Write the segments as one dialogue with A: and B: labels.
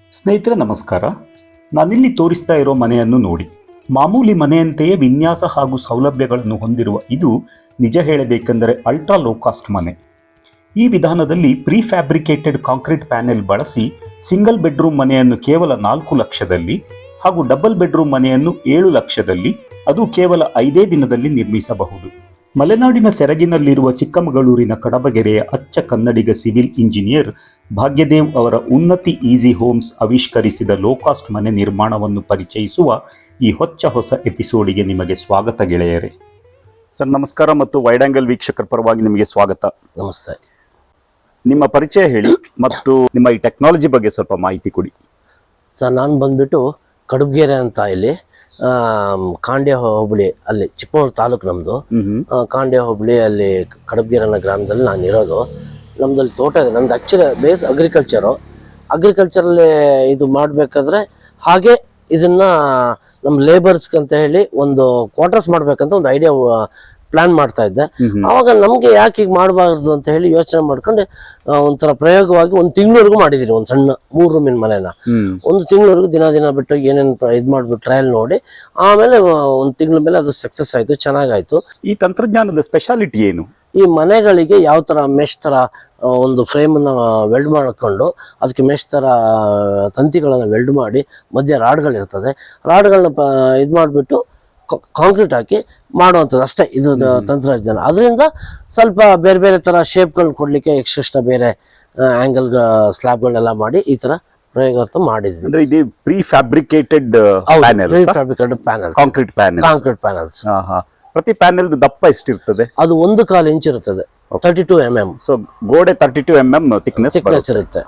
A: ಸ್ನೇಹಿತರೆ ನಮಸ್ಕಾರ. ನಾನಿಲ್ಲಿ ತೋರಿಸ್ತಾ ಇರೋ ಮನೆಯನ್ನು ನೋಡಿ. ಮಾಮೂಲಿ ಮನೆಯಂತೆಯೇ ವಿನ್ಯಾಸ ಹಾಗೂ ಸೌಲಭ್ಯಗಳನ್ನು ಹೊಂದಿರುವ ಇದು ನಿಜ ಹೇಳಬೇಕೆಂದರೆ ಅಲ್ಟ್ರಾ ಲೋ ಕಾಸ್ಟ್ ಮನೆ. ಈ ವಿಧಾನದಲ್ಲಿ ಪ್ರೀ ಫ್ಯಾಬ್ರಿಕೇಟೆಡ್ ಕಾಂಕ್ರೀಟ್ ಪ್ಯಾನೆಲ್ ಬಳಸಿ ಸಿಂಗಲ್ ಬೆಡ್ರೂಮ್ ಮನೆಯನ್ನು ಕೇವಲ 4 ಲಕ್ಷದಲ್ಲಿ ಹಾಗೂ ಡಬಲ್ ಬೆಡ್ರೂಮ್ ಮನೆಯನ್ನು 7 ಲಕ್ಷದಲ್ಲಿ, ಅದು ಕೇವಲ 5 ದಿನದಲ್ಲಿ ನಿರ್ಮಿಸಬಹುದು. ಮಲೆನಾಡಿನ ಸೆರಗಿನಲ್ಲಿರುವ ಚಿಕ್ಕಮಗಳೂರಿನ ಕಡಬಗೆರೆಯ ಅಚ್ಚ ಕನ್ನಡಿಗ ಸಿವಿಲ್ ಇಂಜಿನಿಯರ್ ಭಾಗ್ಯದೇವ್ ಅವರ ಉನ್ನತಿ ಈಸಿ ಹೋಮ್ಸ್ ಆವಿಷ್ಕರಿಸಿದ ಲೋ ಕಾಸ್ಟ್ ಮನೆ ನಿರ್ಮಾಣವನ್ನು ಪರಿಚಯಿಸುವ ಈ ಹೊಸ ಎಪಿಸೋಡಿಗೆ ನಿಮಗೆ ಸ್ವಾಗತ ಗೆಳೆಯರೇ. ಸರ್ ನಮಸ್ಕಾರ ಮತ್ತು ವೈಡ್ ಆಂಗಲ್ ವೀಕ್ಷಕರ ಪರವಾಗಿ ನಿಮಗೆ ಸ್ವಾಗತ.
B: ನಮಸ್ತೆ.
A: ನಿಮ್ಮ ಪರಿಚಯ ಹೇಳಿ ಮತ್ತು ನಿಮ್ಮ ಈ ಟೆಕ್ನಾಲಜಿ ಬಗ್ಗೆ ಸ್ವಲ್ಪ ಮಾಹಿತಿ ಕೊಡಿ.
B: ಸರ್, ನಾನು ಬಂದ್ಬಿಟ್ಟು ಕಡಬಗೆರೆ ಅಂತ ಇಲ್ಲಿ ಕಾಂಡ್ಯ ಹೋಬಳಿ, ಅಲ್ಲಿ ಚಿಕ್ಕಮಗಳೂರು ತಾಲೂಕು ನಮ್ಮದು. ಕಾಂಡ್ಯ ಹೋಬಳಿ ಅಲ್ಲಿ ಕಡಬಗೆರೆ ಅನ್ನೋ ಗ್ರಾಮದಲ್ಲಿ ನಾನು ಇರೋದು. ನಮ್ಮದಲ್ಲಿ ತೋಟ ಇದೆ. ನಮ್ದು ಆ್ಯಕ್ಚುಲಿ ಬೇಸ್ ಅಗ್ರಿಕಲ್ಚರಲ್ಲಿ ಇದು ಮಾಡಬೇಕಾದ್ರೆ ಹಾಗೆ ಇದನ್ನ ನಮ್ಮ ಲೇಬರ್ಸ್ಗೆ ಅಂತ ಹೇಳಿ ಒಂದು ಕ್ವಾರ್ಟರ್ಸ್ ಮಾಡ್ಬೇಕಂತ ಒಂದು ಐಡಿಯಾ ಪ್ಲಾನ್ ಮಾಡ್ತಾ ಇದ್ದೆ. ಅವಾಗ ನಮ್ಗೆ ಯಾಕೆ ಈಗ ಮಾಡಬಾರ್ದು ಅಂತ ಹೇಳಿ ಯೋಚನೆ ಮಾಡ್ಕೊಂಡು ಒಂಥರ ಪ್ರಯೋಗವಾಗಿ 1 ತಿಂಗಳವರೆಗೂ ಮಾಡಿದೀನಿ. ಒಂದು ಸಣ್ಣ 3 ರೂಮಿನ ಮನೆನ 1 ತಿಂಗಳವರೆಗೂ ದಿನ ಬಿಟ್ಟು ಏನೇನು ಇದು ಮಾಡ್ಬಿಟ್ಟು ಟ್ರಯಲ್ ನೋಡಿ ಆಮೇಲೆ 1 ತಿಂಗಳ ಮೇಲೆ ಅದು ಸಕ್ಸಸ್ ಆಯ್ತು, ಚೆನ್ನಾಗಾಯ್ತು.
A: ಈ ತಂತ್ರಜ್ಞಾನದ ಸ್ಪೆಷಾಲಿಟಿ ಏನು?
B: ಈ ಮನೆಗಳಿಗೆ ಯಾವ ತರ ಮೆಶ್ ತರ ಒಂದು ಫ್ರೇಮ್ ಅನ್ನ ವೆಲ್ಡ್ ಮಾಡ್ಕೊಂಡು ಅದಕ್ಕೆ ಮೆಶ್ ತರ ತಂತಿಗಳನ್ನ ವೆಲ್ಡ್ ಮಾಡಿ ಮಧ್ಯೆ ರಾಡ್ಗಳಿರ್ತದೆ. ರಾಡ್ಗಳನ್ನ ಇದು ಮಾಡಿಬಿಟ್ಟು ಕಾಂಕ್ರೀಟ್ ಹಾಕಿ ಮಾಡುವಂಥದ್ದು ಅಷ್ಟೇ ಇದು ತಂತ್ರಜ್ಞಾನ. ಅದರಿಂದ ಸ್ವಲ್ಪ ಬೇರೆ ಬೇರೆ ತರ ಶೇಪ್ಗಳನ್ನ ಕೊಡ್ಲಿಕ್ಕೆ ಎಕ್ಸ್ಟ್ರಾ ಬೇರೆ ಆಂಗಲ್ ಸ್ಲ್ಯಾಬ್ಗಳನ್ನೆಲ್ಲ ಮಾಡಿ ಈ ತರ ಪ್ರಯೋಗ ಮಾಡಿದ್ವಿ.
A: ಅಂದ್ರೆ ಇದು pre fabricated panel, concrete
B: panels.
A: ಪ್ರತಿ ಪ್ಯಾನೆಲ್ ದಪ್ಪ ಎಷ್ಟಿರ್ತದೆ?
B: ಅದು 1/4 ಇಂಚ್ ಇರುತ್ತದೆ, 32 mm.
A: ಸೊ ಗೋಡೆ 32 mm ಥಿಕ್ನೆಸ್ ಇರುತ್ತೆ.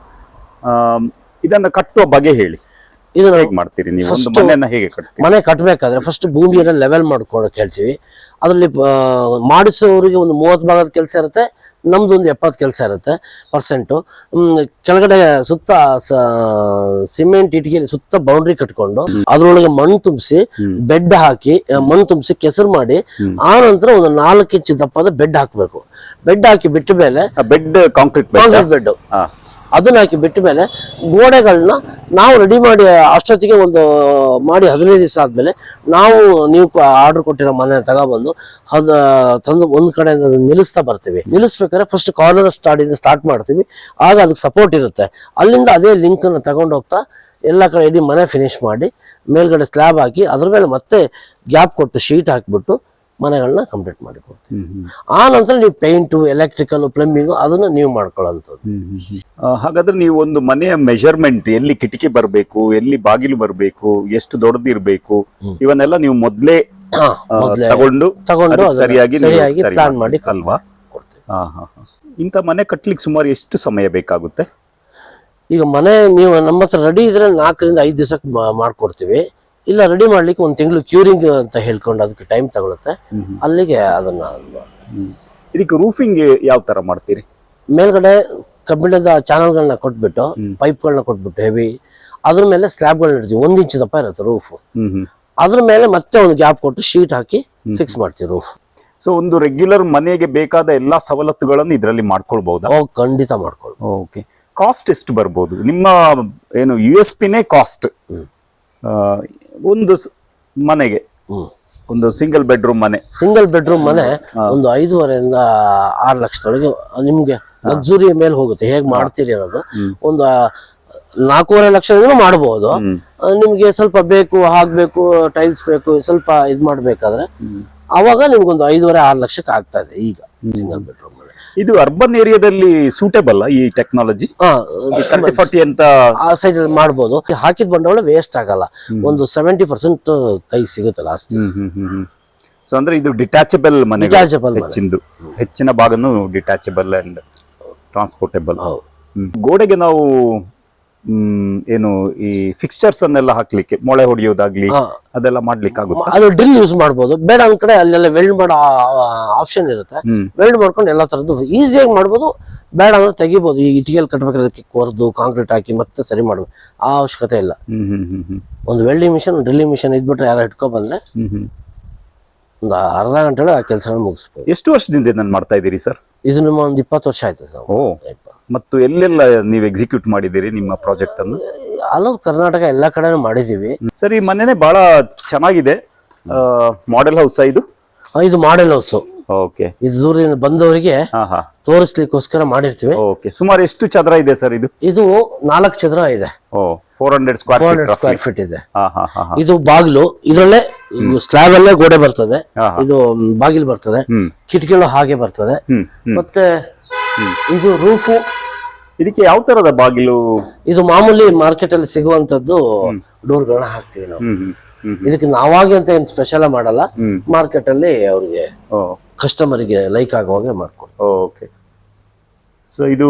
A: ಇದನ್ನ ಕಟ್ಟುವ ಬಗೆ ಹೇಳಿ. ಇದನ್ನ ಹೇಗೆ ಮಾಡ್ತೀರಿ ನೀವು? ಒಂದು ಮನೆಯನ್ನ ಹೇಗೆ ಕಟ್ತೀರಿ?
B: ಮನೆ ಕಟ್ಟಬೇಕಾದ್ರೆ ಫಸ್ಟ್ ಭೂಮಿಯನ್ನ ಲೆವೆಲ್ ಮಾಡ್ಕೊಳಕ್ ಹೇಳ್ತೀವಿ. ಅದರಲ್ಲಿ ಮಾಡಿಸೋರಿಗೆ ಒಂದು 30 ಭಾಗದ ಕೆಲಸ ಇರುತ್ತೆ, ನಮ್ದು ಒಂದು 70 ಕೆಲಸ ಇರುತ್ತೆ ಪರ್ಸೆಂಟು. ಕೆಳಗಡೆ ಸುತ್ತ ಸಿಮೆಂಟ್ ಇಟ್ಟಿಗೆಯಲ್ಲಿ ಸುತ್ತ ಬೌಂಡ್ರಿ ಕಟ್ಕೊಂಡು ಅದ್ರೊಳಗೆ ಮಣ್ಣು ತುಂಬಿಸಿ ಬೆಡ್ ಹಾಕಿ ಮಣ್ಣು ತುಂಬಿಸಿ ಕೆಸರು ಮಾಡಿ ಆ ನಂತರ ಒಂದು 4 ಇಂಚ್ ದಪ್ಪದ ಬೆಡ್ ಹಾಕ್ಬೇಕು. ಬೆಡ್ ಹಾಕಿ ಬಿಟ್ಟ ಮೇಲೆ
A: ಕಾಂಕ್ರೀಟ್ ಬೆಡ್
B: ಅದನ್ನ ಹಾಕಿ ಬಿಟ್ಟ ಮೇಲೆ ಗೋಡೆಗಳನ್ನ ನಾವು ರೆಡಿ ಮಾಡಿ ಅಷ್ಟೊತ್ತಿಗೆ ಒಂದು ಮಾಡಿ 15 ದಿವಸ ಆದ್ಮೇಲೆ ನೀವು ಆರ್ಡರ್ ಕೊಟ್ಟಿರೋ ಮನೆ ತಗೊಬಂದು ತಂದು ಒಂದ್ ಕಡೆ ನಿಲ್ಲಿಸ್ತಾ ಬರ್ತೀವಿ. ನಿಲ್ಲಿಸ್ಬೇಕಾದ್ರೆ ಫಸ್ಟ್ ಕಾರ್ನರ್ ಸ್ಟಾರ್ಟ್ ಮಾಡ್ತೀವಿ. ಆಗ ಅದಕ್ಕೆ ಸಪೋರ್ಟ್ ಇರುತ್ತೆ. ಅಲ್ಲಿಂದ ಅದೇ ಲಿಂಕ್ ಅನ್ನು ತಗೊಂಡು ಹೋಗ್ತಾ ಎಲ್ಲ ಕಡೆ ಇಡೀ ಮನೆ ಫಿನಿಶ್ ಮಾಡಿ ಮೇಲ್ಗಡೆ ಸ್ಲ್ಯಾಬ್ ಹಾಕಿ ಅದ್ರ ಮೇಲೆ ಮತ್ತೆ ಗ್ಯಾಪ್ ಕೊಟ್ಟು ಶೀಟ್ ಹಾಕ್ಬಿಟ್ಟು ಮನೆಗಳನ್ನ ಕಂಪ್ಲೀಟ್ ಮಾಡಿ ಕೊಡ್ತೀವಿ. ಆ ನಂತರ ನೀವು ಪೇಂಟು, ಎಲೆಕ್ಟ್ರಿಕಲ್, ಪ್ಲಂಬಿಂಗು ಅದನ್ನ ನೀವು ಮಾಡ್ಕೊಳ್ಳೋಂಥದ್ದು.
A: ಹಾಗಾದ್ರೆ ನೀವು ಒಂದು ಮನೆಯ ಮೆಜರ್ಮೆಂಟ್, ಎಲ್ಲಿ ಕಿಟಕಿ ಬರಬೇಕು, ಎಲ್ಲಿ ಬಾಗಿಲು ಬರಬೇಕು, ಎಷ್ಟು ದೊಡ್ಡದಿರ್ಬೇಕು, ಇವನ್ನೆಲ್ಲ ನೀವು ಮೊದಲೇ ತಗೊಂಡು ಸರಿಯಾಗಿ
B: ಪ್ಲಾನ್ ಮಾಡಿ
A: ಅಲ್ವಾ? ಇಂಥ ಮನೆ ಕಟ್ಲಿಕ್ಕೆ ಸುಮಾರು ಎಷ್ಟು ಸಮಯ ಬೇಕಾಗುತ್ತೆ?
B: ಈಗ ಮನೆ ನೀವು ನಮ್ಮ ಹತ್ರ ರೆಡಿ ಇದ್ರೆ 4 ರಿಂದ 5 ದಿವಸಕ್ಕೆ ಮಾಡ್ಕೊಡ್ತೀವಿ. ಇಲ್ಲ ರೆಡಿ ಮಾಡ್ಲಿಕ್ಕೆ 1 ತಿಂಗಳು ಕ್ಯೂರಿಂಗ್ ಅಂತ ಹೇಳ್ಕೊಂಡು ಅದಕ್ಕೆ ಟೈಮ್ ತಗೊಳುತ್ತೆ. ಅಲ್ಲಿಗೆ ಅದನ್ನ
A: ಇದಕ್ಕೆ ರೂಫಿಂಗ್ ಯಾವ ತರ ಮಾಡ್ತೀರಿ?
B: ಮೇಲ್ಗಡೆ ಕಬ್ಬಿಣದ ಚಾನಲ್ಗಳನ್ನ ಕೊಟ್ಬಿಟ್ಟು ಪೈಪ್ಗಳನ್ನ ಕೊಟ್ಬಿಟ್ಟು ಹೆವಿ ಅದ್ರ ಮೇಲೆ ಸ್ಲ್ಯಾಬ್ಗಳನ್ನ ಇಡ್ತೀವಿ. 1 ಇಂಚ್ ದಪ್ಪ ಇರುತ್ತೆ ರೂಫ್. ಅದ್ರ ಮೇಲೆ ಮತ್ತೆ ಒಂದು ಗ್ಯಾಪ್ ಕೊಟ್ಟು ಶೀಟ್ ಹಾಕಿ ಫಿಕ್ಸ್ ಮಾಡ್ತೀವಿ ರೂಫ್.
A: ಸೊ ಒಂದು ರೆಗ್ಯುಲರ್ ಮನೆಗೆ ಬೇಕಾದ ಎಲ್ಲಾ ಸವಲತ್ತುಗಳನ್ನು ಇದರಲ್ಲಿ ಮಾಡ್ಕೊಳ್ಬಹುದಾ?
B: ಖಂಡಿತ ಮಾಡ್ಕೊಳ್ಬಹುದು.
A: ಓಕೆ. ಕಾಸ್ಟ್ ಎಷ್ಟು ಬರ್ಬೋದು? ನಿಮ್ಮ ಏನು USP ನೇ ಕಾಸ್ಟ್. ಒಂದು ಮನೆಗೆ ಒಂದು ಸಿಂಗಲ್ ಬೆಡ್ರೂಮ್ ಮನೆ ಒಂದು 5.5 ರಿಂದ 6 ಲಕ್ಷದೊಳಗೆ ನಿಮ್ಗೆ ಲಕ್ಸುರಿ ಮೇಲೆ ಹೋಗುತ್ತೆ. ಹೇಗ್ ಮಾಡ್ತೀರಿ ಅನ್ನೋದು. ಒಂದು 4.5 ಲಕ್ಷದಿಂದ ಮಾಡಬಹುದು. ನಿಮ್ಗೆ ಸ್ವಲ್ಪ ಬೇಕು, ಹಾಕ್ಬೇಕು, ಟೈಲ್ಸ್ ಬೇಕು, ಸ್ವಲ್ಪ ಇದ್ ಮಾಡ್ಬೇಕಾದ್ರೆ ಅವಾಗ ನಿಮ್ಗೊಂದು 5.5-6 ಲಕ್ಷಕ್ಕೆ ಆಗ್ತಾ ಇದೆ ಈಗ ಸಿಂಗಲ್ ಬೆಡ್ರೂಮ್ ಮನೆ. ಇದು ಅರ್ಬನ್ ಏರಿಯಾದಲ್ಲಿ ಸೂಟೇಬಲ್ ಈ ಟೆಕ್ನಾಲಜಿ? 30-40 ಅಂತ ಆ ಸೈಡ್
B: ಮಾಡಬಹುದು. ಹಾಕಿದ ಬಂಡವಾಳ ವೇಸ್ಟ್ ಆಗಲ್ಲ. ಒಂದು 70% ಕೈ ಸಿಗುತ್ತೆ ಲಾಸ್ಟ್.
A: ಸೊ ಅಂದ್ರೆ ಇದು ಡಿಟ್ಯಾಚಬಲ್ ಮನೆ, ಹೆಚ್ಚಿನ ಭಾಗನು ಡಿಟ್ಯಾಚಬಲ್ ಅಂಡ್ ಟ್ರಾನ್ಸ್ಪೋರ್ಟೇಬಲ್. ಗೋಡೆಗೆ ನಾವು ಏನು ಈ ಫಿಕ್ಸ್ಚರ್ಸ್ ಅನ್ನೆಲ್ಲ ಹಾಕ್ಲಿಕ್ಕೆ, ಮೊಳೆ ಹೊಡೆಯೋದಾಗ್ಲಿ ಅದೆಲ್ಲ ಮಾಡ್ಲಿಕ್ಕೆ ಆಗುತ್ತೆ?
B: ಅದು ಡ್ರಿಲ್ ಯೂಸ್ ಮಾಡ್ಬೋದು. ಬೇಡ ಒಂದ್ ಕಡೆ ಅಲ್ಲೆಲ್ಲ ವೆಲ್ಡ್ ಮಾಡೋ ಆಪ್ಷನ್ ಇರುತ್ತೆ. ವೆಲ್ಡ್ ಮಾಡ್ಕೊಂಡು ಎಲ್ಲಾ ತರದ್ದು ಈಸಿಯಾಗಿ ಮಾಡ್ಬೋದು. ಬೇಡ ಅಂದ್ರೆ ತೆಗಿಬಹುದು. ಈ ಇಟಿಗೆಲ್ ಕಟ್ಬೇಕಾದ್ರೆ ಅದಕ್ಕೆ ಕೊರ್ದು ಕಾಂಕ್ರೀಟ್ ಹಾಕಿ ಮತ್ತೆ ಸರಿ ಮಾಡ್ಬೋದು. ಆ ಅವಶ್ಯಕತೆ ಇಲ್ಲ. ಒಂದು ವೆಲ್ಡಿಂಗ್ ಮಿಷನ್, ಡ್ರಿಲ್ಲಿಂಗ್ ಮಿಷನ್ ಇದ್ಬಿಟ್ರೆ ಯಾರು ಇಟ್ಕೊ ಬಂದ್ರೆ ಒಂದು ಅರ್ಧ ಗಂಟೆ ಆ ಕೆಲಸಗಳನ್ನ ಮುಗಿಸ್ಬೋದು.
A: ಎಷ್ಟು ವರ್ಷದಿಂದ ನಾನು ಮಾಡ್ತಾ ಇದ್ದೀರಿ ಸರ್?
B: ಇದು ನಿಮ್ಮ ಒಂದು 20 ವರ್ಷ ಆಯ್ತು ಸರ್.
A: ಮತ್ತು ಎಲ್ಲೆಲ್ಲ ನೀವು ಎಕ್ಸಿಕ್ಯೂಟ್ ಮಾಡಿದ್ದೀರಿ ನಿಮ್ಮ ಪ್ರಾಜೆಕ್ಟ್ ಅನ್ನು?
B: ಆಲ್ ಓವರ್ ಕರ್ನಾಟಕ ಎಲ್ಲ ಕಡೆನೂ ಮಾಡಿದ್ದೀವಿ.
A: ಸರ್, ಈ ಮನೆನೇ ಬಹಳ ಚೆನ್ನಾಗಿದೆ. ಮಾಡೆಲ್ ಹೌಸ್ ಇದು?
B: ಇದು ಮಾಡೆಲ್ ಹೌಸ್.
A: ಓಕೆ.
B: ಇದು ದೂರದಿಂದ ಬಂದವರಿಗೆ ತೋರಿಸ್ಲಿಕ್ಕೋಸ್ಕರ ಮಾಡಿರ್ತೀವಿ.
A: ಓಕೆ. ಸುಮಾರು ಎಷ್ಟು ಚದರ ಇದೆ ಸರ್ ಇದು?
B: ಇದು 4 ಚದರ ಇದೆ.
A: 400
B: ಸ್ಕ್ವೇರ್ ಫೀಟ್ ಇದೆ. ಇದು ಬಾಗಿಲು, ಇದರಲ್ಲೇ ಸ್ಲ್ಯಾಬ್ ಅಲ್ಲೇ ಗೋಡೆ ಬರ್ತದೆ. ಇದು ಬಾಗಿಲು ಬರ್ತದೆ, ಕಿಟಕಿಗಳು ಹಾಗೆ ಬರ್ತದೆ. ಮತ್ತೆ ಇದು ರೂಫು.
A: ಇದಕ್ಕೆ ಯಾವ ತರದ ಬಾಗಿಲು?
B: ಇದು ಮಾಮೂಲಿ ಮಾರ್ಕೆಟ್ ಅಲ್ಲಿ ಸಿಗುವಂತದ್ದು ಡೋರ್ಗಳನ್ನ ಹಾಕ್ತಿವಿ ನಾವು. ಇದಕ್ಕೆ ನಾವಾಗಿ ಅಂತ ಏನ್ ಸ್ಪೆಷಲ್ ಮಾಡಲ್ಲ, ಮಾರ್ಕೆಟ್ ಅಲ್ಲಿ ಅವ್ರಿಗೆ ಕಸ್ಟಮರ್ಗೆ ಲೈಕ್ ಆಗುವಾಗೆ ಮಾಡ್ಕೊಡ್ತೀವಿ.
A: ಓಕೆ. ಸೊ ಇದು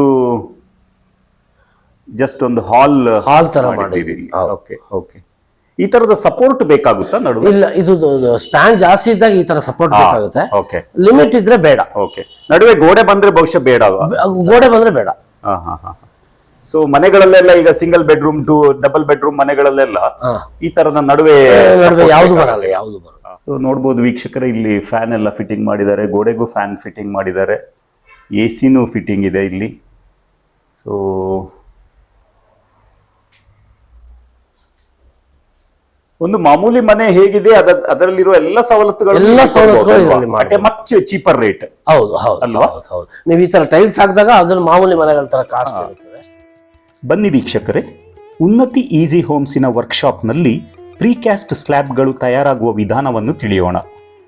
A: ಜಸ್ಟ್ ಒಂದು ಹಾಲ್
B: ತರ ಮಾಡಿದ್ದೀವಿ.
A: Okay okay. ಈ ತರದ ಸಪೋರ್ಟ್ ಬೇಕಾಗುತ್ತಾ ನಡುವೆ?
B: ಇಲ್ಲ, ಇದು ಸ್ಪ್ಯಾನ್ ಜಾಸ್ತಿ ಇದ್ದಾಗ ಈ ತರ ಸಪೋರ್ಟ್ ಬೇಕಾಗುತ್ತೆ.
A: ಓಕೆ.
B: ಲಿಮಿಟ್ ಇದ್ರೆ ಬೇಡ.
A: ಓಕೆ. ನಡುವೆ ಗೋಡೆ ಬಂದ್ರೆ ಬಹುಶಃ ಬೇಡ.
B: ಗೋಡೆ ಬಂದ್ರೆ ಬೇಡ.
A: ಸೊ ಮನೆಗಳಲ್ಲೆಲ್ಲ ಈಗ single bedroom to double bedroom ಮನೆಗಳಲ್ಲೆಲ್ಲ ಈ ತರದ ನಡುವೆ
B: ಯಾವ್ದು ಬರಲ್ಲ, ಯಾವ್ದು ಬರಲ್ಲ.
A: ಸೊ ನೋಡ್ಬೋದು ವೀಕ್ಷಕರೇ, ಇಲ್ಲಿ ಫ್ಯಾನ್ ಎಲ್ಲ ಫಿಟ್ಟಿಂಗ್ ಮಾಡಿದ್ದಾರೆ, ಗೋಡೆಗೂ ಫ್ಯಾನ್ ಫಿಟ್ಟಿಂಗ್ ಮಾಡಿದ್ದಾರೆ, ಎಸಿನೂ ಫಿಟ್ಟಿಂಗ್ ಇದೆ ಇಲ್ಲಿ. ಸೊ ಒಂದು ಮಾಮೂಲಿ ಮನೆ ಹೇಗಿದೆ ಅದರಲ್ಲಿರುವ ಎಲ್ಲ ಸವಲತ್ತುಗಳು ಮಚ್ ಚೀಪರ್ ರೇಟ್.
B: ಹೌದು ಹೌದು ಅಲ್ವಾ? ಹೌದು. ನೀವು ಈ ತರ ಟೈಲ್ಸ್ ಹಾಕಿದಾಗ ಅದನ್ನ ಮಾಮೂಲಿ ಮನೆಗಳ ತರ ಕಾಸ್ಟ್ ಇರುತ್ತದೆ.
A: ಬನ್ನಿ ವೀಕ್ಷಕರೇ, ಉನ್ನತಿ ಈಸಿ ಹೋಮ್ಸಿನ ವರ್ಕ್ಶಾಪ್ನಲ್ಲಿ ಪ್ರೀಕ್ಯಾಸ್ಟ್ ಸ್ಲ್ಯಾಬ್ಗಳು ತಯಾರಾಗುವ ವಿಧಾನವನ್ನು ತಿಳಿಯೋಣ.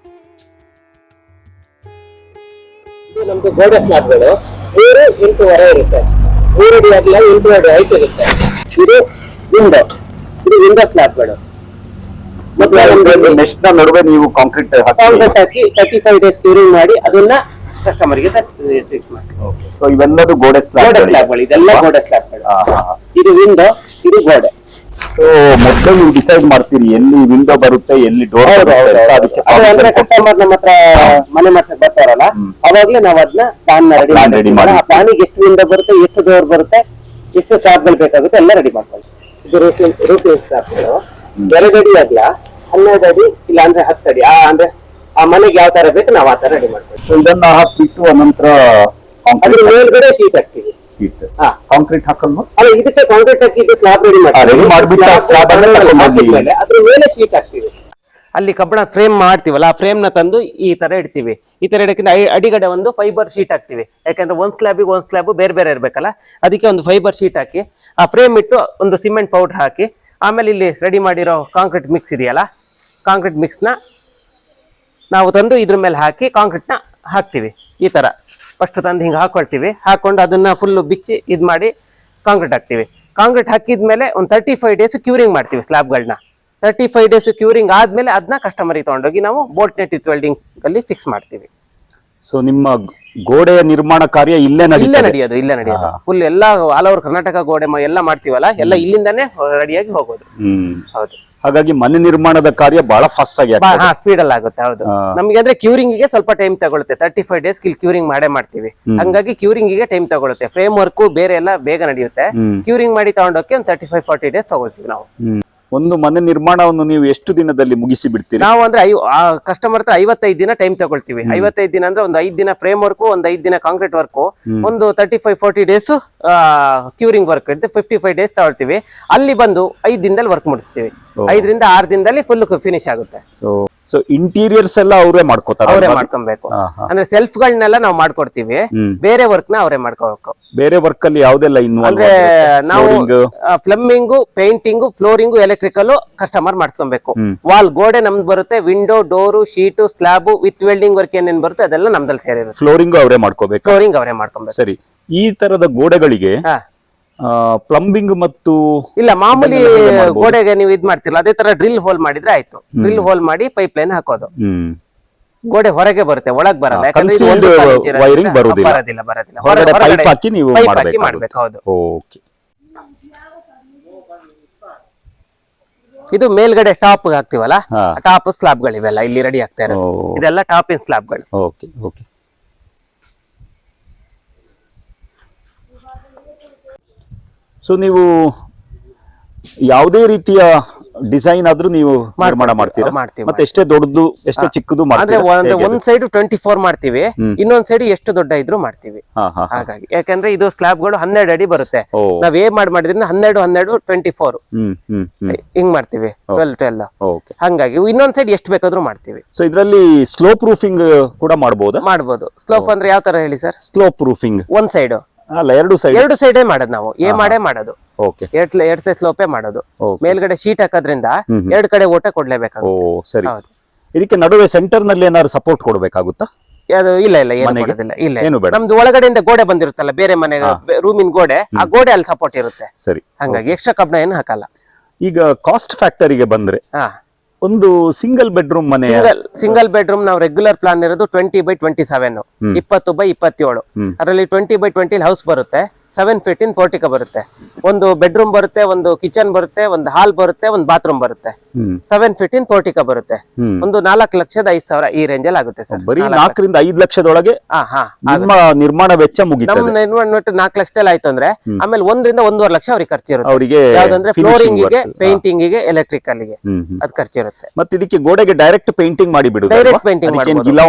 B: ನಮ್ದು ಗೋಡೆ ಸ್ಲ್ಯಾಬ್ಗಳು 3 ಇಂಟು ವರೆ ಇರುತ್ತೆ. 3 ಅಡಿ ಅಗಲ 8 ಅಡಿ ಹೈಟ್ ಇರುತ್ತೆ. ಇದು ವಿಂಡೋ ಸ್ಲ್ಯಾಬ್ಗಳು.
A: ಮೆಶ್ನ ನಡುವೆ ನೀವು ಕಾಂಕ್ರೀಟ್
B: ಹಾಕಿ 35 ಡೇಸ್ ಕ್ಯೂರಿಂಗ್ ಮಾಡಿ ಅದನ್ನ ಕಸ್ಟಮರ್ಗೆ ಫಿಕ್ಸ್ ಮಾಡಿ.
A: ಸೊ ಇವೆಲ್ಲದು ಗೋಡೆ
B: ಸ್ಲ್ಯಾಬ್ಗಳು, ಇದೆಲ್ಲ ಗೋಡೆ ಸ್ಲ್ಯಾಬ್ಗಳು. ಇದು ವಿಂಡೋ, ಇದು ಗೋಡೆ.
A: ಸೊ ಮೊದಲು ನೀವು ಡಿಸೈಡ್ ಮಾಡ್ತೀರಿ ಎಲ್ಲಿ ವಿಂಡೋ ಬರುತ್ತೆ, ಎಲ್ಲಿ ಡೋರ್.
B: ಅಂದ್ರೆ ಕಸ್ಟಮರ್ ನಮ್ಮ ಹತ್ರ ಮನೆ ಮತ್ತೆ ಬರ್ತಾರಲ್ಲ, ಅವಾಗ್ಲೇ ನಾವು ಅದನ್ನ ಪ್ಲಾನ್ ರೆಡಿ ಮಾಡಿ ಆ ಪ್ಲಾನಿಗೆ ಎಷ್ಟು ವಿಂಡೋ ಬರುತ್ತೆ, ಎಷ್ಟು ಡೋರ್ ಬರುತ್ತೆ, ಎಷ್ಟು ಸ್ಲ್ಯಾಬ್ಗಳು ಬೇಕಾಗುತ್ತೆ ಎಲ್ಲ ರೆಡಿ ಮಾಡ್ಕೊಳ್ಳಿ. ಇದು ರೂಫಿಂಗ್ ಸ್ಲ್ಯಾಬ್ಗಳು 2 ಅಡಿ ಅಗಲ 12 ಅಡಿ ಇಲ್ಲ ಅಂದ್ರೆ 10 ಅಡಿ. ಅಂದ್ರೆ ಆ ಮನೆಗೆ ಯಾವ ತರ ಬೇಕು ನಾವು ಆ ತರ ರೆಡಿ ಮಾಡ್ತೀವಿ.
A: ಇದನ್ನ ಹಾಕ್ಬಿಟ್ಟು ಅನಂತರ
B: ಅದ್ರ ಮೇಲ್ಗಡೆ ಶೀಟ್ ಹಾಕ್ತೀವಿ.
A: ಕಾಂಕ್ರೀಟ್ ಹಾಕಲ್ವಾ?
B: ಅಲ್ಲ, ಇದಕ್ಕೆ ಕಾಂಕ್ರೀಟ್ ಹಾಕಿ ಇದು ಸ್ಲ್ಯಾಬ್ ರೆಡಿ ಮಾಡ್ತೀವಿ. ಅದ್ರ ಮೇಲೆ ಶೀಟ್ ಹಾಕ್ತೀವಿ. ಅಲ್ಲಿ ಕಬ್ಬಣ ಫ್ರೇಮ್ ಮಾಡ್ತೀವಲ್ಲ, ಆ ಫ್ರೇಮ್ ನ ತಂದು ಈ ತರ ಇಡ್ತೀವಿ. ಈ ತರ ಇಡಕ್ಕಿಂತ ಅಡಿಗಡೆ ಒಂದು ಫೈಬರ್ ಶೀಟ್ ಹಾಕ್ತಿವಿ. ಯಾಕಂದ್ರೆ ಒಂದ್ ಸ್ಲ್ಯಾಬ್ ಬೇರೆ ಬೇರೆ ಇರ್ಬೇಕಲ್ಲ, ಅದಕ್ಕೆ ಒಂದು ಫೈಬರ್ ಶೀಟ್ ಹಾಕಿ ಆ ಫ್ರೇಮ್ ಇಟ್ಟು ಒಂದು ಸಿಮೆಂಟ್ ಪೌಡರ್ ಹಾಕಿ, ಆಮೇಲೆ ಇಲ್ಲಿ ರೆಡಿ ಮಾಡಿರೋ ಕಾಂಕ್ರೀಟ್ ಮಿಕ್ಸ್ ಇದೆಯಲ್ಲ, ಕಾಂಕ್ರೀಟ್ ಮಿಕ್ಸ್ನ ನಾವು ತಂದು ಇದ್ರ ಮೇಲೆ ಹಾಕಿ ಕಾಂಕ್ರೀಟ್ನ ಹಾಕ್ತಿವಿ. ಈ ತರ ಫಸ್ಟ್ ತಂದು ಹಿಂಗೆ ಹಾಕೊಳ್ತೀವಿ. ಹಾಕೊಂಡು ಅದನ್ನ ಫುಲ್ ಬಿಚ್ಚಿ ಇದು ಮಾಡಿ ಕಾಂಕ್ರೀಟ್ ಹಾಕ್ತಿವಿ. ಕಾಂಕ್ರೀಟ್ ಹಾಕಿದ್ಮೇಲೆ ಒಂದು 35 ಡೇಸ್ ಕ್ಯೂರಿಂಗ್ ಮಾಡ್ತೀವಿ ಸ್ಲ್ಯಾಬ್ಗಳನ್ನ. 35 ಡೇಸ್ ಕ್ಯೂರಿಂಗ್ ಆದ್ಮೇಲೆ ಅದನ್ನ ಕಸ್ಟಮರ್ಗೆ ತಗೊಂಡೋಗಿ ನಾವು ಬೋಲ್ಟ್ ನೆಟ್ ವಿತ್ ವೆಲ್ಡಿಂಗ್ ಅಲ್ಲಿ ಫಿಕ್ಸ್ ಮಾಡ್ತೀವಿ.
A: ಸೊ ನಿಮ್ಮ ಗೋಡೆಯ ನಿರ್ಮಾಣ ಕಾರ್ಯ ಇಲ್ಲೇ
B: ನಡೆಯೋದು ಫುಲ್ ಎಲ್ಲ ಆಲ್ ಓವರ್ ಕರ್ನಾಟಕ ಗೋಡೆ ಎಲ್ಲ ಮಾಡ್ತೀವಲ್ಲ, ಎಲ್ಲ ಇಲ್ಲಿಂದಾನೇ ರೆಡಿಯಾಗಿ ಹೋಗೋದು. ಹೌದು.
A: ಹಾಗಾಗಿ ಮನೆ ನಿರ್ಮಾಣದ ಕಾರ್ಯ ಬಹಳ ಫಾಸ್ಟ್ ಆಗಿ
B: ಸ್ಪೀಡ್ ಅಲ್ಲಿ ಆಗುತ್ತೆ. ಹೌದು. ನಮ್ಗೆ ಅಂದ್ರೆ ಕ್ಯೂರಿಂಗ್ ಗೆ ಸ್ವಲ್ಪ ಟೈಮ್ ತಗೊಳುತ್ತೆ. 35 ಡೇಸ್ ಕ್ಯೂರಿಂಗ್ ಮಾಡ್ತೀವಿ. ಹಂಗಾಗಿ ಕ್ಯೂರಿಂಗ್ ಗೆ ಟೈಮ್ ತಗೊಳುತ್ತೆ. ಫ್ರೇಮ್ ವರ್ಕ್ ಬೇರೆ ಎಲ್ಲ ಬೇಗ ನಡೆಯುತ್ತೆ. ಕ್ಯೂರಿಂಗ್ ಮಾಡಿ ತಗೊಂಡೋಕೆ ಒಂದು 35-40 ಡೇಸ್ ತಗೊಳ್ತೀವಿ ನಾವು.
A: ಒಂದು ಮನೆ ನಿರ್ಮಾಣವನ್ನು ನೀವು ಎಷ್ಟು ದಿನದಲ್ಲಿ ಮುಗಿಸಿ ಬಿಡ್ತೀರಿ?
B: ನಾವು ಅಂದ್ರೆ ಕಸ್ಟಮರ್ ಹತ್ರ 55 ದಿನ ಟೈಮ್ ತಗೊಳ್ತೀವಿ. 55 ದಿನ ಅಂದ್ರೆ ಒಂದು 5 ದಿನ ಫ್ರೇಮ್ ವರ್ಕ್, ಒಂದು 5 ದಿನ ಕಾಂಕ್ರೀಟ್ ವರ್ಕ್, ಒಂದು 35-40 ಡೇಸ್ ಕ್ಯೂರಿಂಗ್ ವರ್ಕ್ ಇರುತ್ತೆ. 55 ಡೇಸ್ ತಗೊಳ್ತೀವಿ. ಅಲ್ಲಿ ಬಂದು 5 ದಿನದಲ್ಲಿ ವರ್ಕ್ ಮುಗಿಸ್ತೀವಿ. 5ರಿಂದ 6 ದಿನದಲ್ಲಿ ಫುಲ್ ಫಿನಿಶ್ ಆಗುತ್ತೆ.
A: ಸೊ ಇಂಟೀರಿಯರ್ಸ್ ಎಲ್ಲ ಅವರೇ ಮಾಡ್ಕೋತಾರೆ?
B: ಅವರೇ ಮಾಡ್ಕೊಬೇಕು. ಅಂದ್ರೆ ಸೆಲ್ಫ್ ಗಳನ್ನೆಲ್ಲ ನಾವು ಮಾಡ್ಕೊಡ್ತೀವಿ. ಬೇರೆ ವರ್ಕ್ ನ ಅವರೇ ಮಾಡ್ಕೋಬೇಕು.
A: ಬೇರೆ ವರ್ಕ್ ಅಲ್ಲಿ ಯಾವ್ದೆಲ್ಲ
B: ಅಂದ್ರೆ ನಾವು plumbing, painting, flooring, electrical customer ಮಾಡ್ಸ್ಕೊಬೇಕು. ವಾಲ್ ಗೋಡೆ ನಮ್ದು ಬರುತ್ತೆ. Window, door, sheet, slab with welding work ಏನೇನ್ ಬರುತ್ತೆ ಅದೆಲ್ಲ ನಮ್ದಲ್ಲಿ ಸೇರಿರುತ್ತೆ.
A: ಫ್ಲೋರಿಂಗ್ ಅವರೇ ಮಾಡ್ಕೋಬೇಕು.
B: ಫ್ಲೋರಿಂಗ್ ಅವರೇ ಮಾಡ್ಕೊಬೇಕು.
A: ಸರಿ. ಈ ತರದ ಗೋಡೆಗಳಿಗೆ ಪ್ಲಂಬಿಂಗ್ ಮತ್ತು
B: ಇಲ್ಲ, ಮಾಮೂಲಿ ಗೋಡೆಗೆ ನೀವು ಇದ್ ಮಾಡ್ತಿರಲ್ಲ ಅದೇ ತರ ಡ್ರಿಲ್ ಹೋಲ್ ಮಾಡಿದ್ರೆ ಆಯ್ತು. ಡ್ರಿಲ್ ಹೋಲ್ ಮಾಡಿ ಪೈಪ್ ಲೈನ್ ಹಾಕೋದು. ಗೋಡೆ ಹೊರಗೆ ಬರುತ್ತೆ, ಒಳಗ್ ಬರಲ್ಲ.
A: ವೈರಿಂಗ್ ಬರೋದಿಲ್ಲ.
B: ಮಾಡ್ಬೇಕು. ಹೌದು. ಇದು ಮೇಲ್ಗಡೆ ಟಾಪ್ ಹಾಕ್ತಿವಲ್ಲ, ಟಾಪ್ ಸ್ಲಾಬ್ ಗಳಿವೆಲ್ಲ ಇಲ್ಲಿ ರೆಡಿ ಆಗ್ತಾ ಇರೋದು. ಇದೆಲ್ಲ ಟಾಪ್ ಇನ್ ಸ್ಲಾಬ್ಗಳು.
A: Okay okay. ಸೊ ನೀವು ಯಾವುದೇ ರೀತಿಯ ಡಿಸೈನ್ ಆದ್ರೂ ನೀವು ನಿರ್ಮಾಣ ಮಾಡ್ತೀರಾ?
C: ಮಾಡ್ತೀವಿ.
A: ಮತ್ತೆ ಎಷ್ಟೇ ದೊಡ್ಡದು ಎಷ್ಟೇ ಚಿಕ್ಕದು
C: ಅಂದ್ರೆ
A: ಮಾಡ್ತೀರಾ?
C: ಒಂದ್ ಸೈಡ್ 24 ಮಾಡ್ತೀವಿ, ಇನ್ನೊಂದ್ ಸೈಡ್ ಎಷ್ಟು ದೊಡ್ಡ ಇದ್ರು ಮಾಡ್ತೀವಿ. ಹಾಗಾಗಿ ಯಾಕಂದ್ರೆ ಇದು ಸ್ಲಾಬ್ ಗಳು 12 ಅಡಿ ಬರುತ್ತೆ. ನಾವ್ ಮಾಡಿದ್ರಿಂದ 12 24 ಹಿಂಗ್ ಮಾಡ್ತೀವಿ, 12 ಹಂಗಾಗಿ ಇನ್ನೊಂದ್ ಸೈಡ್ ಎಷ್ಟು ಬೇಕಾದ್ರೂ ಮಾಡ್ತೀವಿ.
A: ಸೊ ಇದ್ರಲ್ಲಿ ಸ್ಲೋಪ್ ರೂಫಿಂಗ್ ಕೂಡ ಮಾಡಬಹುದು.
C: ಸ್ಲೋಪ್ ಅಂದ್ರೆ ಯಾವ ತರ ಹೇಳಿ ಸರ್?
A: ಸ್ಲೋಪ್ ರೂಫಿಂಗ್
C: ಒಂದ್ ಸೈಡ್
A: ಅಲ್ಲ, ಎರಡು
C: ಸೈಡೇ ಮಾಡೋದು ನಾವು. ಮಾಡೇ ಮಾಡೋದು,
A: ಓಕೆ.
C: ಎರಡ್ ಸೈಡ್ ಸ್ಲೋಪೇ ಮಾಡೋದು. ಮೇಲ್ಗಡೆ ಶೀಟ್ ಹಾಕೋದ್ರಿಂದ ಎರಡ್ ಕಡೆ ಓಟ ಕೊಡ್ಲೇಬೇಕು.
A: ಸರಿ. ಇದಕ್ಕೆ ನಡುವೆ ಸೆಂಟರ್ ನಲ್ಲಿ ಏನಾದ್ರು ಸಪೋರ್ಟ್ ಕೊಡ್ಬೇಕಾಗುತ್ತಾ?
C: ಅದು ಇಲ್ಲ ಏನು ಮಾಡೋದಿಲ್ಲ. ಇಲ್ಲ, ನಮ್ದು ಒಳಗಡೆಯಿಂದ ಗೋಡೆ ಬಂದಿರುತ್ತಲ್ಲ, ಬೇರೆ ಮನೆ ರೂಮಿನ ಗೋಡೆ, ಆ ಗೋಡೆ ಅಲ್ಲಿ ಸಪೋರ್ಟ್ ಇರುತ್ತೆ.
A: ಸರಿ.
C: ಹಂಗಾಗಿ ಎಕ್ಸ್ಟ್ರಾ ಕಬ್ಣ ಏನು ಹಾಕಲ್ಲ.
A: ಈಗ ಕಾಸ್ಟ್ ಫ್ಯಾಕ್ಟರಿಗೆ ಬಂದ್ರೆ ಒಂದು ಸಿಂಗಲ್ ಬೆಡ್ರೂಮ್ ಮನೆ,
C: ಸಿಂಗಲ್ ಬೆಡ್ರೂಮ್ ನಾವು ರೆಗ್ಯುಲರ್ ಪ್ಲಾನ್ ಇರೋದು 20x27, 20x27. ಅದರಲ್ಲಿ 20x20 ಹೌಸ್ ಬರುತ್ತೆ, 7 feet in ಪೋರ್ಟಿಕೋ ಬರುತ್ತೆ. ಒಂದು ಬೆಡ್ರೂಮ್ ಬರುತ್ತೆ, ಒಂದು ಕಿಚನ್ ಬರುತ್ತೆ, ಒಂದು ಹಾಲ್ ಬರುತ್ತೆ, ಒಂದು ಬಾತ್ರೂಮ್ ಬರುತ್ತೆ. 7 feet in ಪೋರ್ಟಿಕೋ ಬರುತ್ತೆ. ಒಂದು 4,05,000 ಈ ರೇಂಜ್ ಅಲ್ಲಿ ಆಗುತ್ತೆ ಸರ್.
A: ಬರೀ 4 ರಿಂದ 5 ಲಕ್ಷದೊಳಗೆ ನಿಮ್ಮ ನಿರ್ಮಾಣ ವೆಚ್ಚ ಮುಗಿಯುತ್ತೆ.
C: ನಮ್ಮ ನಿರ್ಮಾಣ 4 ಲಕ್ಷದಲ್ಲಿ ಆಯ್ತು ಅಂದ್ರೆ ಆಮೇಲೆ 1 ರಿಂದ 1.5 ಲಕ್ಷ ಅವ್ರಿಗೆ ಖರ್ಚಿರುತ್ತೆ.
A: ಅವರಿಗೆ
C: ಯಾವ್ದಂದ್ರೆ ಫ್ಲೋರಿಂಗ್ ಗೆ, ಪೇಂಟಿಂಗ್ ಗೆ, ಎಲೆಕ್ಟ್ರಿಕಲ್ ಗೆ ಅದ್ ಖರ್ಚಿರುತ್ತೆ.
A: ಮತ್ತೆ ಇದಕ್ಕೆ ಗೋಡೆಗೆ ಡೈರೆಕ್ಟ್ ಪೇಂಟಿಂಗ್ ಮಾಡಿ ಬಿಡುದು,
C: ಡೈರೆಕ್ಟ್ ಪೇಂಟಿಂಗ್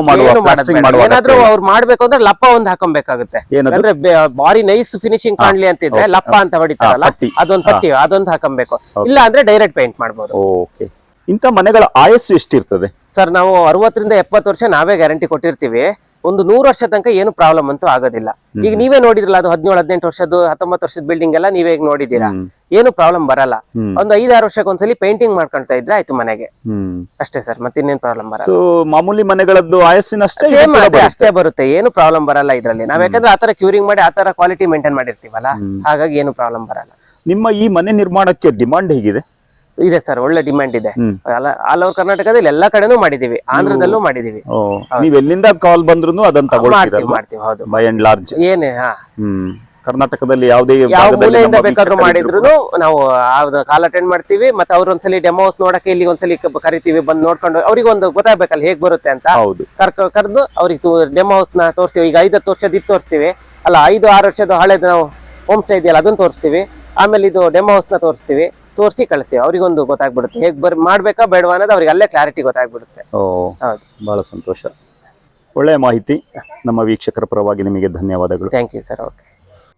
C: ಏನಾದ್ರೂ ಅವ್ರು ಮಾಡ್ಬೇಕು ಅಂದ್ರೆ ಲಪ್ಪ ಒಂದು ಹಾಕೊಬೇಕಾಗುತ್ತೆ. ಅಂದ್ರೆ ಬಾರಿ ನೈಸ್ ಫಿನಿಶಿಂಗ್ ಕಾಣ್ಲಿ ಅಂತಿದ್ರೆ ಲಪ್ಪ ಅಂತ ಹೊಡಿತಾರಲ್ಲ, ಅದೊಂದು ಪಟ್ಟಿ ಅದೊಂದು ಹಾಕೊಬೇಕು. ಇಲ್ಲ ಅಂದ್ರೆ ಡೈರೆಕ್ಟ್ ಪೇಂಟ್ ಮಾಡ್ಬೋದು.
A: ಓಕೆ. ಇಂಥ ಮನೆಗಳ ಆಯಸ್ಸು ಎಷ್ಟಿರ್ತದೆ
C: ಸರ್? ನಾವು 60 ರಿಂದ 70 ವರ್ಷ ನಾವೇ ಗ್ಯಾರಂಟಿ ಕೊಟ್ಟಿರ್ತೀವಿ. ಒಂದು 100 ವರ್ಷ ತನಕ ಏನು ಪ್ರಾಬ್ಲಮ್ ಅಂತೂ ಆಗೋದಿಲ್ಲ. ಈಗ ನೀವೇ ನೋಡಿದ್ರಲ್ಲ, ಅದು 17-18 ವರ್ಷದ್ದು 19 ವರ್ಷದ ಬಿಲ್ಡಿಂಗ್ ಎಲ್ಲ ನೀವೇ ಈಗ ನೋಡಿದೀರಾ, ಏನು ಪ್ರಾಬ್ಲಮ್ ಬರಲ್ಲ. ಒಂದು 5-6 ವರ್ಷಕ್ಕೆ ಒಂದ್ಸಲಿ ಪೇಂಟಿಂಗ್ ಮಾಡ್ಕೊಳ್ತಾ ಇದ್ರೆ ಆಯ್ತು ಮನೆಗೆ, ಅಷ್ಟೇ ಸರ್. ಮತ್ತೆ ಇನ್ನೇನು ಪ್ರಾಬ್ಲಮ್ ಬರಲ್ಲ.
A: ಮಾಮೂಲಿ ಮನೆಗಳದ್ದು ಆಯಸ್ಸಿನಷ್ಟೇ
C: ಅಷ್ಟೇ ಬರುತ್ತೆ, ಏನು ಪ್ರಾಬ್ಲಮ್ ಬರಲ್ಲ ಇದ್ರಲ್ಲಿ. ನಾವ್ ಯಾಕಂದ್ರೆ ಆತರ ಕ್ಯೂರಿಂಗ್ ಮಾಡಿ ಆತರ ಕ್ವಾಲಿಟಿ ಮೇಂಟೈನ್ ಮಾಡಿರ್ತೀವಲ್ಲ, ಹಾಗಾಗಿ ಏನು ಪ್ರಾಬ್ಲಮ್ ಬರಲ್ಲ.
A: ನಿಮ್ಮ ಈ ಮನೆ ನಿರ್ಮಾಣಕ್ಕೆ ಡಿಮಾಂಡ್ ಹೇಗಿದೆ?
C: ಇದೆ ಸರ್, ಒಳ್ಳೆ ಡಿಮ್ಯಾಂಡ್ ಇದೆ. ಆಲ್ ಓವರ್ ಕರ್ನಾಟಕದಲ್ಲಿ ಎಲ್ಲಾ ಕಡೆನೂ ಮಾಡಿದೀವಿ, ಆಂಧ್ರದಲ್ಲೂ ಮಾಡಿದೀವಿ.
A: ನೀವ್ ಎಲ್ಲಿಂದ ಕಾಲ್ ಬಂದ್ರು ಅದನ್ನ
C: ಮಾಡ್ತೀವಿ. ಹೌದು,
A: ಬೈ ಅಂಡ್ ಲಾರ್ಜ್
C: ಏನೇ
A: ಕರ್ನಾಟಕದಲ್ಲಿ ಯಾವುದೇ
C: ಯಾವ ಮೂಲೆಯಿಂದ ಬೇಕಾದ್ರೂ ಮಾಡಿದ್ರು ನಾವು ಕಾಲ್ ಅಟೆಂಡ್ ಮಾಡ್ತೀವಿ. ಮತ್ತೆ ಅವ್ರ ಒಂದ್ಸಲಿ ಡೆಮೋ ಹೌಸ್ ನೋಡಕ್ಕೆ ಇಲ್ಲಿ ಒಂದ್ಸಲಿ ಕರಿತೀವಿ, ಬಂದು ನೋಡ್ಕೊಂಡು ಅವ್ರಿಗೆ ಒಂದು ಗೊತ್ತಾಗ್ಬೇಕಲ್ಲ ಹೇಗ್ ಬರುತ್ತೆ ಅಂತ. ಕರೆದು ಅವ್ರಿಗೆ ಡೆಮೋ ಹೌಸ್ ನ ತೋರಿಸ್ತೀವಿ. ಈಗ 5-10 ವರ್ಷದ ಇದು ತೋರಿಸ್ತೀವಿ, ಅಲ್ಲ 5-6 ವರ್ಷದ ಹಳೇದು ನಾವು ಹೋಮ್ ಸ್ಟೇ ಇದೆಯಲ್ಲ ಅದನ್ನ ತೋರಿಸ್ತೀವಿ. ಆಮೇಲೆ ಇದು ಡೆಮೋ ಹೌಸ್ ನ ತೋರಿಸ್ತೀವಿ, ತೋರಿಸಿ ಕಳಿಸ್ತೀವಿ. ಅವ್ರಿಗೊಂದು ಗೊತ್ತಾಗ್ಬಿಡುತ್ತೆ ಹೇಗ್ ಮಾಡ್ಬೇಕಾ ಬೇಡವಾ ಅನ್ನೋದು ಅವ್ರಿಗೆ ಅಲ್ಲೇ ಕ್ಲಾರಿಟಿ ಗೊತ್ತಾಗ್ಬಿಡುತ್ತೆ.
A: ಹೌದು, ಬಹಳ ಸಂತೋಷ. ಒಳ್ಳೆಯ ಮಾಹಿತಿ. ನಮ್ಮ ವೀಕ್ಷಕರ ಪರವಾಗಿ ನಿಮಗೆ ಧನ್ಯವಾದಗಳು.
C: Thank you sir. ಓಕೆ.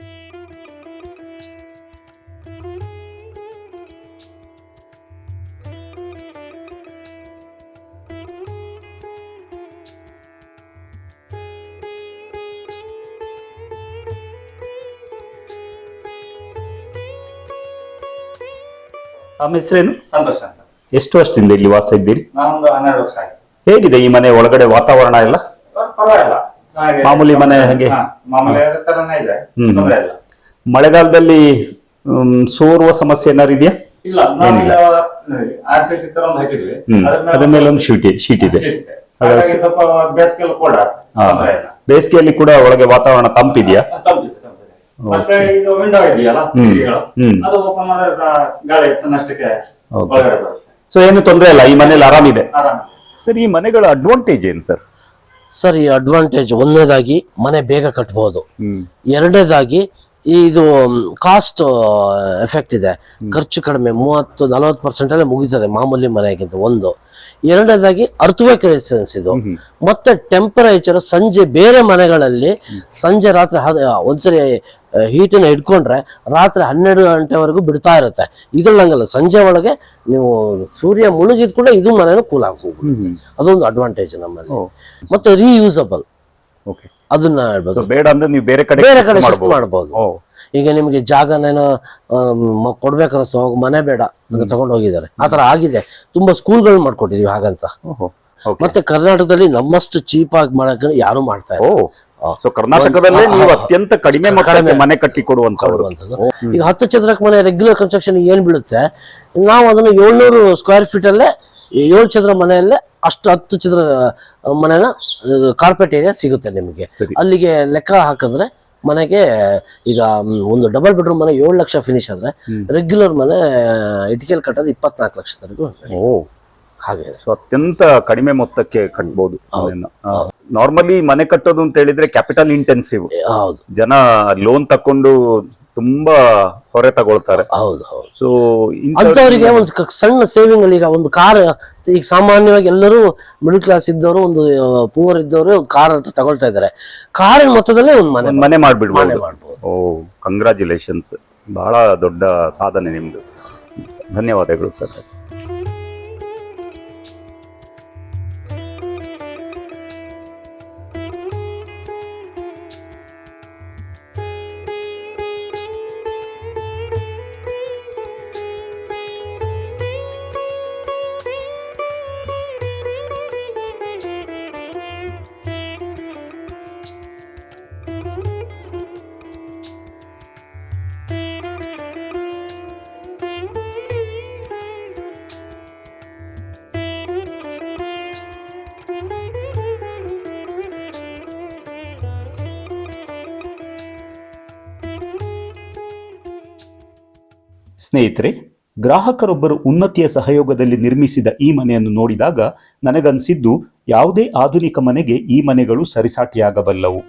A: ತಮ್ಮ ಹೆಸರೇನು?
D: ಸಂತೋಷ ಅಂತ.
A: ಎಷ್ಟು ವರ್ಷದಿಂದ ಇಲ್ಲಿ ವಾಸ ಇದ್ದೀರಿ?
D: ನಾನೊಂದು 12 ವರ್ಷ ಆಯ್ತು.
A: ಹೇಗಿದೆ ಈ ಮನೆ ಒಳಗಡೆ ವಾತಾವರಣ ಎಲ್ಲ?
D: ಪರವಾಗಿಲ್ಲ,
A: ಮಾಮೂಲಿ ಮನೆ ಹಾಗೆ
D: ಮಾಮೂಲಿ ತರನೇ ಇದೆ, ತೊಂದ್ರೆ ಇಲ್ಲ.
A: ಮಳೆಗಾಲದಲ್ಲಿ ಸೋರುವ ಸಮಸ್ಯೆ ಏನಾರು ಇದೆಯಾ?
D: ಇಲ್ಲ, RCC ತರ ಒಂದು ಹಾಕಿದ್ವಿ,
A: ಅದ್ರ ಮೇಲೆ ಒಂದು ಶೀಟ್ ಇದೆ.
D: ಹಾಗಾಗಿ ಸ್ವಲ್ಪ ಬೇಸಿಗೆಲ್ಲ ಕೂಡ ತೊಂದ್ರೆ ಇಲ್ಲ.
A: ಬೇಸಿಗೆಯಲ್ಲಿ ಕೂಡ ಒಳಗೆ ವಾತಾವರಣ ತಂಪಿದೆಯಾ?
D: ತಂಪಿದೆ. ಮತ್ತೆ ಇದು ವಿಂಡೋ ಇದೆಯಲ್ಲ, ಅದು ಓಪನ್ ಮಾಡಿದ್ರೆ ಗಾಳಿ ತನ್ನಷ್ಟಕ್ಕೆ ಒಳಗಡೆ ಬರುತ್ತೆ.
A: ಸೊ ಏನು ತೊಂದರೆ ಇಲ್ಲ, ಈ ಮನೇಲಿ ಆರಾಮಿದೆ.
D: ಆರಾಮ.
A: ಸರ್, ಈ ಮನೆಗಳ ಅಡ್ವಾಂಟೇಜ್ ಏನು ಸರ್?
B: ಸರ್, ಈ ಅಡ್ವಾಂಟೇಜ್ ಒಂದನೇದಾಗಿ ಮನೆ ಬೇಗ ಕಟ್ಬೋದು. ಎರಡನೇದಾಗಿ ಇದು ಕಾಸ್ಟ್ ಎಫೆಕ್ಟ್ ಇದೆ, ಖರ್ಚು ಕಡಿಮೆ, 30-40% ಅಲ್ಲೇ ಮುಗಿತದೆ ಮಾಮೂಲಿ ಮನೆಗಿಂತ. ಒಂದು. ಎರಡನೇದಾಗಿ ಅರ್ಥವೇಕ್ ರೆಸಿಸ್ಟೆನ್ಸ್ ಇದು. ಮತ್ತೆ ಟೆಂಪರೇಚರ್ ಸಂಜೆ ಬೇರೆ ಮನೆಗಳಲ್ಲಿ ಸಂಜೆ ರಾತ್ರಿ ಒಂದ್ಸರಿ ಹೀಟನ್ನ ಇಟ್ಕೊಂಡ್ರೆ ರಾತ್ರಿ 12 ಗಂಟೆವರೆಗೂ ಬಿಡ್ತಾ ಇರುತ್ತೆ. ಇದ್ರಲ್ಲಿ ಹಂಗಲ್ಲ, ಸಂಜೆ ಒಳಗೆ ನೀವು ಸೂರ್ಯ ಮುಳುಗಿದ್ ಕೂಡ ಇದು ಮನೇನ ಕೂಲ್ ಹೋಗ್ಬೋದು. ಅದೊಂದು ಅಡ್ವಾಂಟೇಜ್ ನಮ್ಮಲ್ಲಿ. ಮತ್ತೆ ರೀಯೂಸಬಲ್, ಅದನ್ನ ಹೇಳ್ಬೋದು.
A: ಬೇಡ ಅಂದ್ರೆ ನೀವು ಬೇರೆ ಕಡೆ
B: ಶಿಫ್ಟ್ ಮಾಡ್ಬೋದು. ಈಗ ನಿಮ್ಗೆ ಜಾಗನೇನೋ ಕೊಡ್ಬೇಕನ್ನಿಸ್ತು, ಹೋಗಿ ಮನೆ ಬೇಡ ತಗೊಂಡು ಹೋಗಿದ್ದಾರೆ, ಆತರ ಆಗಿದೆ. ತುಂಬಾ ಸ್ಕೂಲ್ಗಳು ಮಾಡ್ಕೊಟ್ಟಿದೀವಿ ಹಾಗಂತ. ಮತ್ತೆ ಕರ್ನಾಟಕದಲ್ಲಿ ನಮ್ಮಷ್ಟು ಚೀಪ್ ಆಗಿ ಮಾಡಕ್ಕೆ ಯಾರು ಮಾಡ್ತಾ ಇಲ್ಲ.
A: ಕರ್ನಾಟಕದಲ್ಲೇ ನೀವು ಅತ್ಯಂತ ಕಡಿಮೆ ಮನೆ ಕಟ್ಟಿ ಕೊಡುವಂತದ್ದು.
B: ಈಗ 10 ಚದರಕ್ಕೆ ಮನೆ ರೆಗ್ಯುಲರ್ ಕನ್ಸ್ಟ್ರಕ್ಷನ್ ಏನ್ ಬೀಳುತ್ತೆ, ನಾವು ಅದನ್ನ 700 ಸ್ಕ್ವೇರ್ ಫೀಟ್ ಅಲ್ಲೇ 7 ಚದರ ಮನೆಯಲ್ಲೇ ಅಷ್ಟು 10 ಚದರ ಮನೆನ ಕಾರ್ಪೆಟ್ ಏರಿಯಾ ಸಿಗುತ್ತೆ ನಿಮಗೆ. ಅಲ್ಲಿಗೆ ಲೆಕ್ಕ ಹಾಕಿದ್ರೆ ಮನೆಗೆ ಈಗ ಒಂದು ಡಬಲ್ ಬೆಡ್ರೂಮ್ ಮನೆ 7 ಲಕ್ಷ ಫಿನಿಶ್ ಆದ್ರೆ ರೆಗ್ಯುಲರ್ ಮನೆ ಇಟಿಕೆಲ್ ಕಟ್ಟೋದು 24 ಲಕ್ಷದವರೆಗೂ ಹಾಗೆ.
A: ಸೊ ಅತ್ಯಂತ ಕಡಿಮೆ ಮೊತ್ತಕ್ಕೆ ಕಟ್ಬಹುದು. ನಾರ್ಮಲಿ ಮನೆ ಕಟ್ಟೋದು ಅಂತ ಹೇಳಿದ್ರೆ ಕ್ಯಾಪಿಟಲ್ ಇಂಟೆನ್ಸಿವ್. ಜನ ಲೋನ್ ತಕೊಂಡು ತುಂಬಾ ಹೊರೆ ತಗೊಳ್ತಾರೆ.
B: ಹೌದು ಹೌದು.
A: ಸೊ
B: ಅಂತವರಿಗೆ ಒಂದು ಸಣ್ಣ ಸೇವಿಂಗ್ ಅಲ್ಲಿ, ಈಗ ಒಂದು ಕಾರ್, ಈಗ ಸಾಮಾನ್ಯವಾಗಿ ಎಲ್ಲರೂ ಮಿಡಲ್ ಕ್ಲಾಸ್ ಇದ್ದವರು, ಒಂದು ಪೂರ್ ಇದ್ದವರು ಒಂದು ಕಾರ್ ಅಂತ ತಗೊಳ್ತಾ ಇದ್ದಾರೆ. ಕಾರಿನ ಮೊತ್ತದಲ್ಲೇ ಒಂದು ಮನೆ
A: ಮಾಡ್ಬಿಡ್ಬೋದು.
B: ಮಾಡ್ಬೋದು.
A: ಓ, ಕಂಗ್ರಾಚುಲೇಷನ್ಸ್, ಬಹಳ ದೊಡ್ಡ ಸಾಧನೆ ನಿಮ್ದು. ಧನ್ಯವಾದಗಳು ಸರ್. ಸ್ನೇಹಿತರೆ, ಗ್ರಾಹಕರೊಬ್ಬರು ಉನ್ನತಿಯ ಸಹಯೋಗದಲ್ಲಿ ನಿರ್ಮಿಸಿದ ಈ ಮನೆಯನ್ನು ನೋಡಿದಾಗ ನನಗನ್ಸಿದ್ದು, ಯಾವುದೇ ಆಧುನಿಕ ಮನೆಗೆ ಈ ಮನೆಗಳು ಸರಿಸಾಟಿಯಾಗಬಲ್ಲವು.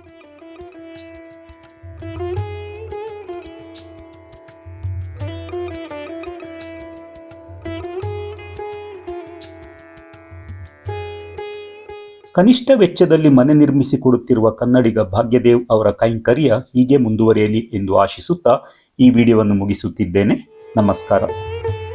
A: ಕನಿಷ್ಠ ವೆಚ್ಚದಲ್ಲಿ ಮನೆ ನಿರ್ಮಿಸಿಕೊಡುತ್ತಿರುವ ಕನ್ನಡಿಗ ಭಾಗ್ಯದೇವ್ ಅವರ ಕೈಂಕರ್ಯ ಹೀಗೆ ಮುಂದುವರಿಯಲಿ ಎಂದು ಆಶಿಸುತ್ತಾ ಈ ವಿಡಿಯೋವನ್ನು ಮುಗಿಸುತ್ತಿದ್ದೇನೆ. ನಮಸ್ಕಾರ.